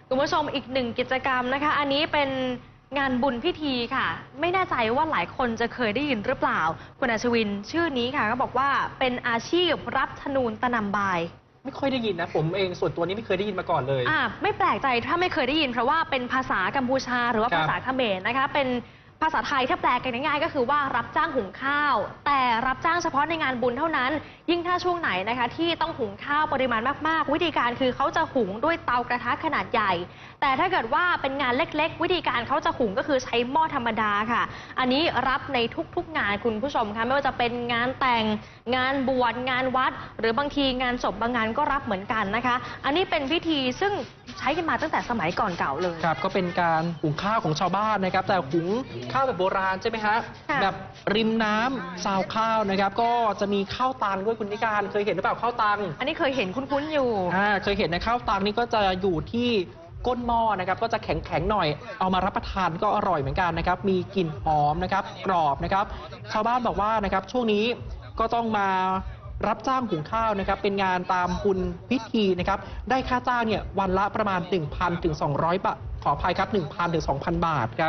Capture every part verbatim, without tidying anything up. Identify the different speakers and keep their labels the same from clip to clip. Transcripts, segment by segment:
Speaker 1: คุณผู้ชมอีกหนึ่งกิจกรรมนะคะอันนี้เป็นงานบุญพิธีค่ะไม่แน่ใจว่าหลายคนจะเคยได้ยินหรือเปล่าคุณอัชวินชื่อนี้ค่ะก็บอกว่าเป็นอาชีพรับธนูนตะนำบาย
Speaker 2: ไม่ค่อยได้ยินนะผมเองส่วนตัวนี้ไม่เคยได้ยินมาก่อนเลย
Speaker 1: อ่าไม่แปลกใจถ้าไม่เคยได้ยินเพราะว่าเป็นภาษากัมพูชาหรือว่าภาษาเขมรนะคะเป็นภาษาไทยถ้าแปลกันง่ายๆก็คือว่ารับจ้างหุงข้าวแต่รับจ้างเฉพาะในงานบุญเท่านั้นยิ่งถ้าช่วงไหนนะคะที่ต้องหุงข้าวปริมาณมากๆวิธีการคือเขาจะหุงด้วยเตากระทะขนาดใหญ่แต่ถ้าเกิดว่าเป็นงานเล็กๆวิธีการเขาจะหุงก็คือใช้หม้อธรรมดาค่ะอันนี้รับในทุกๆงานคุณผู้ชมคะไม่ว่าจะเป็นงานแต่งงานบวชงานวัดหรือบางทีงานศพบางงานก็รับเหมือนกันนะคะอันนี้เป็นพิธีซึ่งใช้กันมาตั้งแต่สมัยก่อนเก่าเลย
Speaker 2: ครับก็เป็นการหุงข้าวของชาวบ้านนะครับแต่หุงข้าวแบบโบราณใช่ไหมฮะแบบริมน้ำซาวข้าวนะครับก็จะมีข้าวตังด้วยคุณนิการเคยเห็นหรือเปล่าข้าวตัง
Speaker 1: อันนี้เคยเห็นคุ้นๆอยู่
Speaker 2: อ่าเคยเห็นนะข้าวตังนี่ก็จะอยู่ที่ก้นหม้อนะครับก็จะแข็งๆหน่อยเอามารับประทานก็อร่อยเหมือนกันนะครับมีกลิ่นหอมนะครับกรอบนะครับชาวบ้านบอกว่านะครับช่วงนี้ก็ต้องมารับจ้างหุงข้าวนะครับเป็นงานตามบุญพิธีนะครับได้ค่าจ้างเนี่ยวันละประมาณ หนึ่งพัน ถึง สองร้อย บาทขออภัยครับ หนึ่งพัน ถึง สองพัน บาทครับ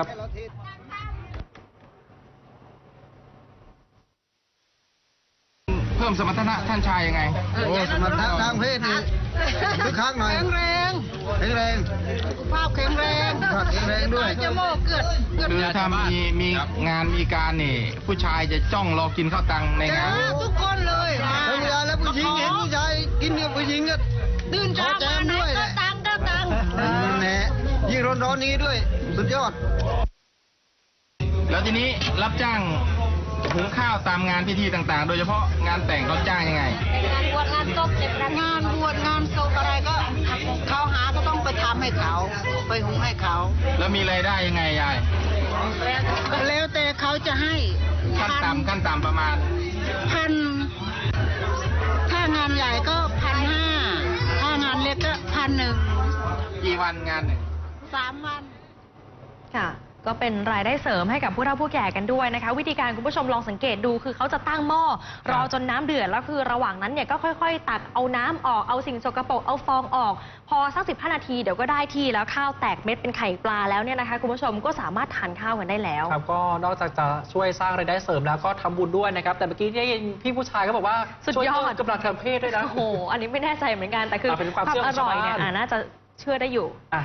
Speaker 3: เพิ่มสมรรถนะท่านชายยังไง
Speaker 4: โอ้สมรรถนะทางเพศนี่คึกคักหน่อย
Speaker 5: แข็งแรง
Speaker 4: แข็งแรง
Speaker 5: ภาพแข็งแรง
Speaker 4: ภาพแข็งแรงด้วย
Speaker 5: จะโม่เกิด
Speaker 3: คือถ้ามีมีงานมีการนี่ผู้ชายจะจ้องรอกินข้าวตังในงาน
Speaker 5: ทุกคนเลยนะ
Speaker 4: แล้วเวลาแล้วผู้หญิงเห็นผู้ชายกินกับผู้หญิงก็
Speaker 5: ตื่นเช้ามาไหนก็ตังก็ตัง
Speaker 4: แหมยิ่งร้อนๆนี้ด้วยสุดยอด
Speaker 3: แล้วทีนี้รับจ้างหุงข้าวตามงานพิธีต่างๆโดยเฉพาะงานแต่งเขาจ้างยังไง
Speaker 5: งานบวชงานศพงานบวชงานศพอะไรก็เขาหาก็ต้องไปทำให้เขาไปหุงให้เขา
Speaker 3: แล้วมีรายได้ยังไงยาย
Speaker 5: แล้วแต่เขาจะให้
Speaker 3: ขั้นต่ำขั้นต่ำประมาณ
Speaker 5: พันถ้างานใหญ่ก็พันห้าถ้างานเล็กก็พันหนึ่ง
Speaker 3: กี่วันงานหนึ่ง
Speaker 5: สามวัน
Speaker 1: ค่ะก็เป็นรายได้เสริมให้กับผู้เฒ่าผู้แก่กันด้วยนะคะวิธีการคุณผู้ชมลองสังเกตดูคือเขาจะตั้งหม้อรอจนน้ำเดือดแล้วคือระหว่างนั้นเนี่ยก็ค่อยๆตักเอาน้ำออกเอาสิ่งสกปรกเอาฟองออกพอสักสิบห้านาทีเดี๋ยวก็ได้ที่แล้วข้าวแตกเม็ดเป็นไข่ปลาแล้วเนี่ยนะคะคุณผู้ชมก็สามารถทานข้าวกันได้แล้ว
Speaker 2: ครับก็นอกจากจะช่วยสร้างรายได้เสริมแล้วก็ทำบุญด้วยนะครับแต่เมื่อกี้ได้ยินพี่ผู้ชายก็บอกว่า
Speaker 1: ช่วยเพิ่ม
Speaker 2: กำลังทางเพศด้วยนะ
Speaker 1: โอ้โหอันนี้ไม่แน่ใจเหมือนกันแต่คือ
Speaker 2: ความอร่อยเนี่ย
Speaker 1: น่าจะเชื่อได้อยู่